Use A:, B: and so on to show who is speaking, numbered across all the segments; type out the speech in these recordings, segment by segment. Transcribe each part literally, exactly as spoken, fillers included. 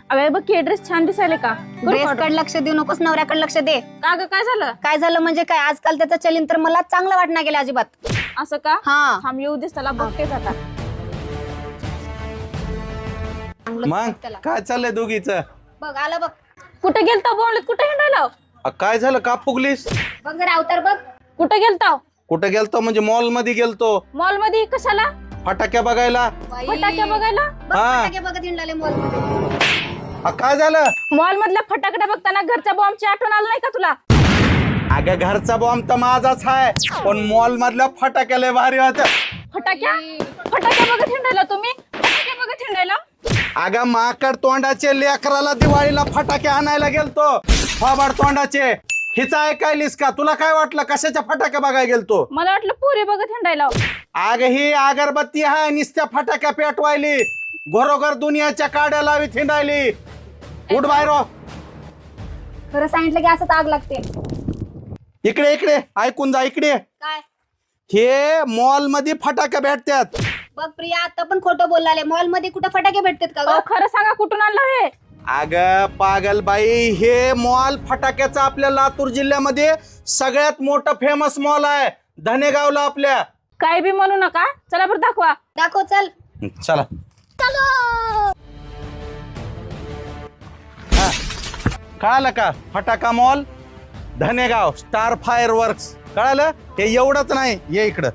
A: अबे बघ की ड्रेस छान दिसायले का?
B: ड्रेस कडे लक्ष देऊ नकोस, नवऱ्याकडे लक्ष दे.
A: का ग काय झालं?
B: काय झालं म्हणजे काय, आजकाल त्याचं चलीन तर मला चांगलं वाटणार गेलं अजिबात.
A: असं का?
B: हा
A: थांब येऊ दिस त्याला बघतेच आता.
C: मग काय चाललंय दोघीच?
B: बघ आलं बघ.
A: कुठे गेलता बोंबलत? कुठे हिंडायला?
C: काय झालं का फुगलीस?
B: बघ जरा अवतार बघ.
A: कुठे गेलता?
C: कुठे गेलतो म्हणजे मॉल मध्ये गेलतो.
A: मॉल मध्ये कशाला?
C: फटाक्या बघायला.
A: फटाके बघायला?
B: बघ
C: हा.
B: फटाके बघत हिंडले मॉल मध्ये.
C: हा, काय झालं?
A: मॉल मधल्या फटाकडे बघताना घरच्या बॉम्बची आठवण आलं नाही का तुला?
C: अगं घरचा बॉम्ब तर माझाच आहे, पण मॉल मधल्या फटाक्या लय भारी होत्या.
A: फटाक्या फटाक्या बघत हिंडायला तुम्ही? फटाके बघत हिंडायला?
C: अगं माकड तोंडाचे लेकराला दिवाळीला फटाके आणायला गेलतो. फाबाड तोंडाचे. हिचा ऐकायलीस का? तुला काय वाटलं कशाच्या फटाक्या बघायला गेलतो?
A: मला वाटलं पुरी बघत हिंडायला.
C: अग ही अगरबत्ती आहे, निस्त्या फटाक्या पेटवायली. घरोघर दुनियाच्या काड्या लावीत हिंडायली. उठ बाहेर हो.
B: खरं सांगितलं की असंच आग लागते.
C: इकडे इकडे ऐकून जा इकडे.
B: काय
C: हे मॉल मध्ये फटाक्या भेटतात.
B: बघ प्रिया, आता पण खोटं बोललाले. मॉल मध्ये कुठं फटाके भेटतात का
A: अहो,
B: ग?
A: खरं सांगा कुठून आणलं हे?
C: अग पागल बाई, हे मॉल फटाक्याचा आपल्या लातूर जिल्ह्यामध्ये सगळ्यात मोठं फेमस मॉल आहे. धनेगावला आपल्या.
A: काय बी म्हणू नका, चला बरं दाखवा.
B: दाखव चल.
C: चला. हा. कळालं का? फटाका mall Dhanegaon star fireworks. कळालं? हे एवढंच नाही, ये इकडं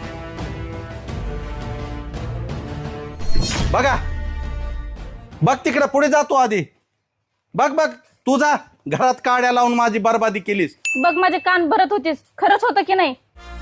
C: बघा. बघ तिकडे पुढे जातो आधी. बघ बघ तू जा. घरात काड्या लावून माझी बरबादी केलीस.
A: बघ माझे कान भरत होतीस, खरंच होतं की नाही?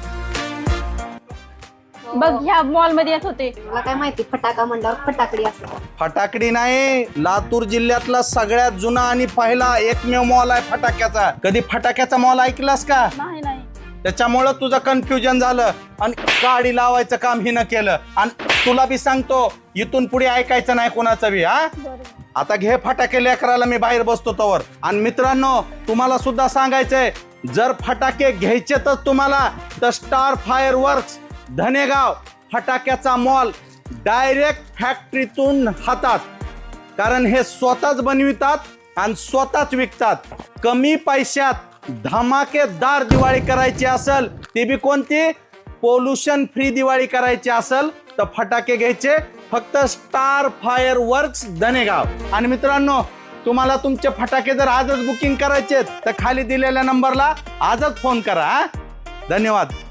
A: बघ ह्या मॉल मध्ये येत होते.
B: मला काय माहिती फटाका म्हणल्यावर फटाकडी असते.
C: फटाकडी नाही, लातूर जिल्ह्यातला सगळ्यात जुना आणि पहिला एकमेव मॉल आहे फटाक्याचा. कधी फटाक्याचा मॉल ऐकलास का?
A: नाही नाही.
C: त्याच्यामुळं तुझं कन्फ्युजन झालं आणि गाडी लावायचं काम हिनं केलं. आणि तुला बी सांगतो, इथून पुढे ऐकायचं नाही कोणाचं बी. हा आता घे फटाके लेकराला, मी बाहेर बसतो तवर. आणि मित्रांनो तुम्हाला सुद्धा सांगायचंय, जर फटाके घ्यायचे तर तुम्हाला तर स्टार फायर वर्क्स धनेगाव फटाक्याचा मॉल डायरेक्ट फॅक्टरीतून हातात. कारण हे स्वतःच बनवितात आणि स्वतःच विकतात. कमी पैशात धमाकेदार दिवाळी करायची असेल, ती बी कोणती? पोल्युशन फ्री दिवाळी करायची असेल तर फटाके घ्यायचे फक्त स्टार फायर वर्क्स धनेगाव. आणि मित्रांनो तुम्हाला तुमचे फटाके जर आजच बुकिंग करायचे तर खाली दिलेल्या नंबरला आजच फोन करा. धन्यवाद.